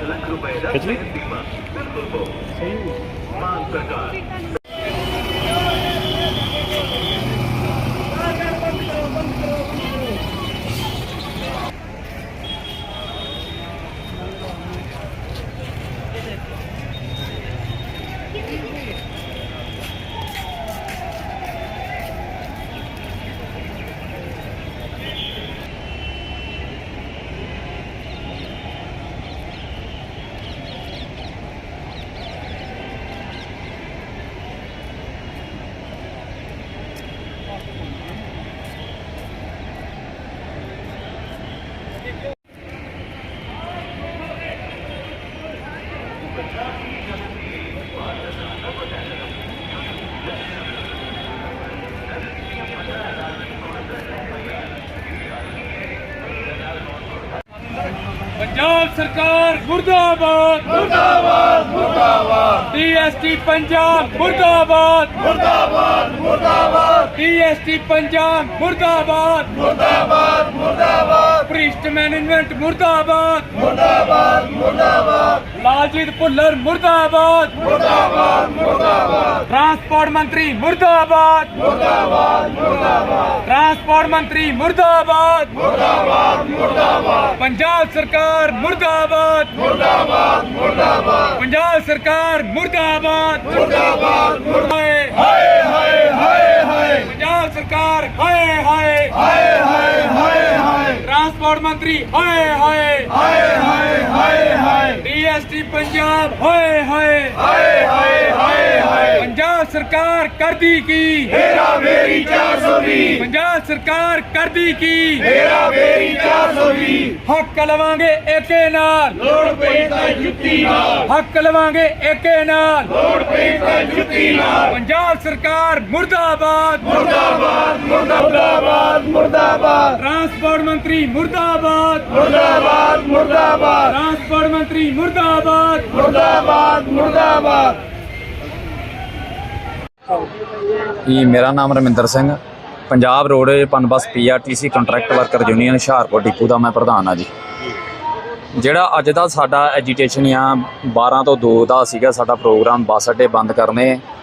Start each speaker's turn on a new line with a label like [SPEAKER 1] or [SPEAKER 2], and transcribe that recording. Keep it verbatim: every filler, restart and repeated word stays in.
[SPEAKER 1] लाख रुपए का
[SPEAKER 2] कितनी?
[SPEAKER 1] बीमा बिल्कुल हो
[SPEAKER 2] सही
[SPEAKER 1] मान सरकार।
[SPEAKER 3] पंजाब सरकार मुर्दाबाद
[SPEAKER 4] मुर्दाबाद मुर्दाबाद
[SPEAKER 3] डीएसटी पंजाब मुर्दाबाद
[SPEAKER 4] मुर्दाबाद मुर्दाबाद
[SPEAKER 3] डीएसटी पंजाब मुर्दाबाद
[SPEAKER 4] मुर्दाबाद मुर्दाबाद
[SPEAKER 3] भ्रिष्ट मैनेजमेंट मुर्दाबाद
[SPEAKER 4] मुर्दाबाद मुर्दाबाद
[SPEAKER 3] लालजीत भुल्लर मुर्दाबाद
[SPEAKER 4] मुर्दाबाद मुर्दाबाद
[SPEAKER 3] ट्रांसपोर्ट मंत्री मुर्दाबाद
[SPEAKER 4] मुर्दाबाद मुर्दाबाद
[SPEAKER 3] ट्रांसपोर्ट मंत्री मुर्दाबाद
[SPEAKER 4] मुर्दाबाद मुर्दाबाद
[SPEAKER 3] पंजाब सरकार मुर्दाबाद
[SPEAKER 4] मुर्दाबाद मुर्दाबाद
[SPEAKER 3] पंजाब सरकार मुर्दाबाद
[SPEAKER 4] मुर्दाबाद
[SPEAKER 3] हाय
[SPEAKER 4] हाय हाय हाय हाय
[SPEAKER 3] पंजाब सरकार हाय हाय
[SPEAKER 4] हाय हाय हाय हाय
[SPEAKER 3] ट्रांसपोर्ट मंत्री हाय हाय
[SPEAKER 4] हाय हाय हाय हाय
[SPEAKER 3] डीएसटी पंजाब हाय हाय
[SPEAKER 4] हाय हाय हाय हाय
[SPEAKER 3] पंजाब सरकार कर दी की
[SPEAKER 4] हेरा फेरी चार सौ बीस
[SPEAKER 3] पंजाब सरकार कर दी की
[SPEAKER 4] हेरा फेरी चार सौ बीस
[SPEAKER 3] हक लवांगे एके नाल
[SPEAKER 4] लोड़ पई तां जुत्ती नाल
[SPEAKER 3] हक लवांगे एके नाल
[SPEAKER 4] लोड़ पई तां जुत्ती नाल
[SPEAKER 3] पंजाब सरकार मुर्दाबाद
[SPEAKER 4] मुर्दाबाद मुर्दाबाद मुर्दाबाद
[SPEAKER 3] ट्रांसपोर्ट मंत्री मुर्दाबाद
[SPEAKER 4] मुर्दाबाद मुर्दाबाद
[SPEAKER 3] ट्रांसपोर्ट मंत्री मुर्दाबाद
[SPEAKER 4] मुर्दाबाद मुर्दाबाद।
[SPEAKER 5] ਜੀ ਮੇਰਾ ਨਾਮ Raminder Singh Punjab road PUNBUS PRTC contract worker union Hoshiarpur depot ਦਾ ਮੈਂ ਪ੍ਰਧਾਨ ਆ ਜੀ। ਜਿਹੜਾ ਅੱਜ ਦਾ ਸਾਡਾ ਐਜੀਟੇਸ਼ਨ ਆ ਬਾਰਾਂ ਤੋਂ ਦੋ ਦਾ ਸੀਗਾ ਸਾਡਾ ਪ੍ਰੋਗਰਾਮ ਬੱਸ ਅੱਡੇ ਬੰਦ ਕਰਨੇ